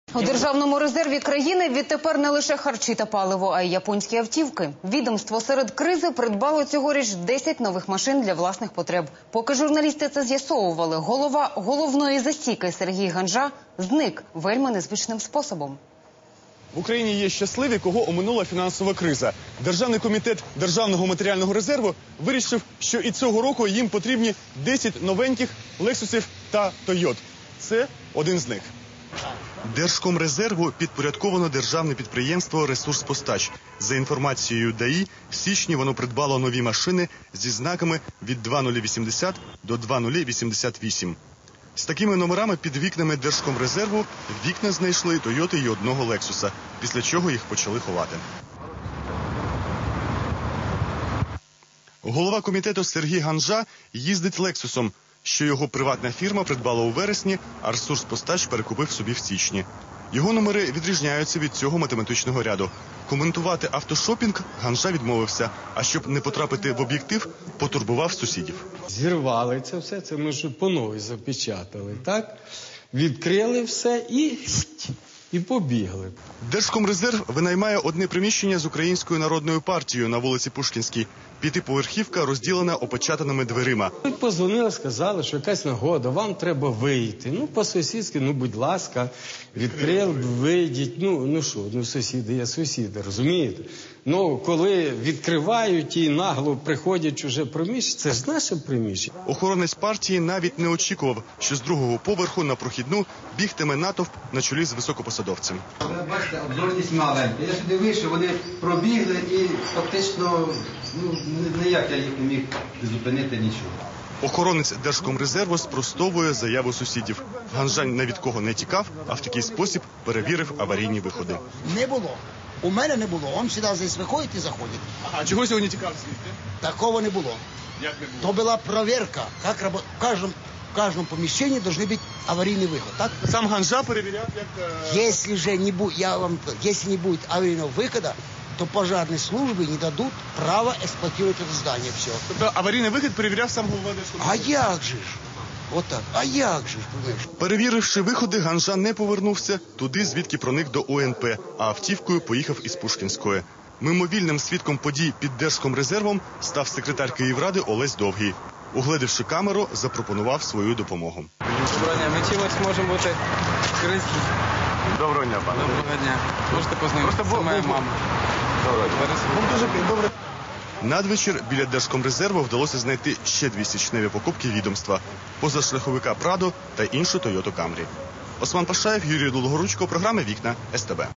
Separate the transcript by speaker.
Speaker 1: У Державному резерві країни відтепер не лише харчі та паливо, а й японські автівки. Відомство серед кризи придбало цьогоріч 10 нових машин для власних потреб. Поки журналісти це з'ясовували, голова головної засіки Сергій Ганжа зник вельми незвичним способом.
Speaker 2: В Україні є щасливі, кого оминула фінансова криза. Державний комітет Державного матеріального резерву вирішив, що і цього року їм потрібні 10 новеньких «Лексусів» та «Тойот». Це один з них. Держкомрезерву підпорядковано державне підприємство «Ресурспостач». За інформацією ДАІ, в січні воно придбало нові машини зі знаками від 2080 до 2088. З такими номерами під вікнами Держкомрезерву вікна знайшли «Тойоти» і одного «Лексуса», після чого їх почали ховати. Голова комітету Сергій Ганжа їздить «Лексусом», що його приватна фірма придбала у вересні, а «Ресурспостач» перекупив собі в січні. Його номери відрізняються від цього математичного ряду. Коментувати автошопінг Ганжа відмовився, а щоб не потрапити в об'єктив, потурбував сусідів.
Speaker 3: Зірвали це все, це ми ж по новій запечатали, так? Відкрили все і побігли.
Speaker 2: Держкомрезерв винаймає одне приміщення з Українською народною партією на вулиці Пушкінській. П'ятиповерхівка розділена опечатаними дверима.
Speaker 3: Ми позвонили, сказали, що якась нагода, вам треба вийти. Ну, по-сусідськи, будь ласка, відкрили, вийдіть. Сусіди є сусіди, розумієте? Коли відкривають і нагло приходять чуже приміщення, це ж наше приміщення.
Speaker 2: Охоронець партії навіть не очікував, що з другого поверху на прохідну бігтиме натовп на чолі з високопосадовцем.
Speaker 4: Бачите, обзорність маленька. Я сюди вийшов, вони пробігли і фактично, ніяк я їх не міг зупинити нічого.
Speaker 2: Охоронець Держкомрезерву спростовує заяву сусідів. Ганжа ні від кого не тікав, а в такий спосіб перевірив аварійні виходи.
Speaker 5: Не було. У мене не було. Он сюди здесь виходить і заходить.
Speaker 2: А чого сьогодні тікав звідти?
Speaker 5: Такого не було.
Speaker 2: Як не було?
Speaker 5: То була перевірка. В кожному поміщенні должны бути аварійний виход, так?
Speaker 2: Сам Ганжа перевіряв, як...
Speaker 5: Если не будет аварийного выхода, то пожарные службы не дадут права эксплуатировать это здание. Все.
Speaker 2: Тобто аварійний вихід перевіряв сам голова Держкомрезерву?
Speaker 5: А як же ж? Отак. А як же ж?
Speaker 2: Перевіривши виходи, Ганжа не повернувся туди, звідки проник до УНП, а автівкою поїхав із Пушкінської. Мимовільним свідком подій під Держкомрезервом став секретар Київради Олесь Довгий. Угледівши камеру, запропонував свою допомогу.
Speaker 6: Доброго дня. Ми чимось можемо бути корисні.
Speaker 2: Доброго дня, пане.
Speaker 6: Доброго дня. Можете познайомитися? Це моя мама.
Speaker 2: Добре. Надвечір біля Держкомрезерву вдалося знайти ще 2 січневі покупки відомства – позашляховика «Прадо» та іншу «Тойоту Камрі». Осман Пашаєв, Юрій Долгоручко, програма «Вікна», СТБ.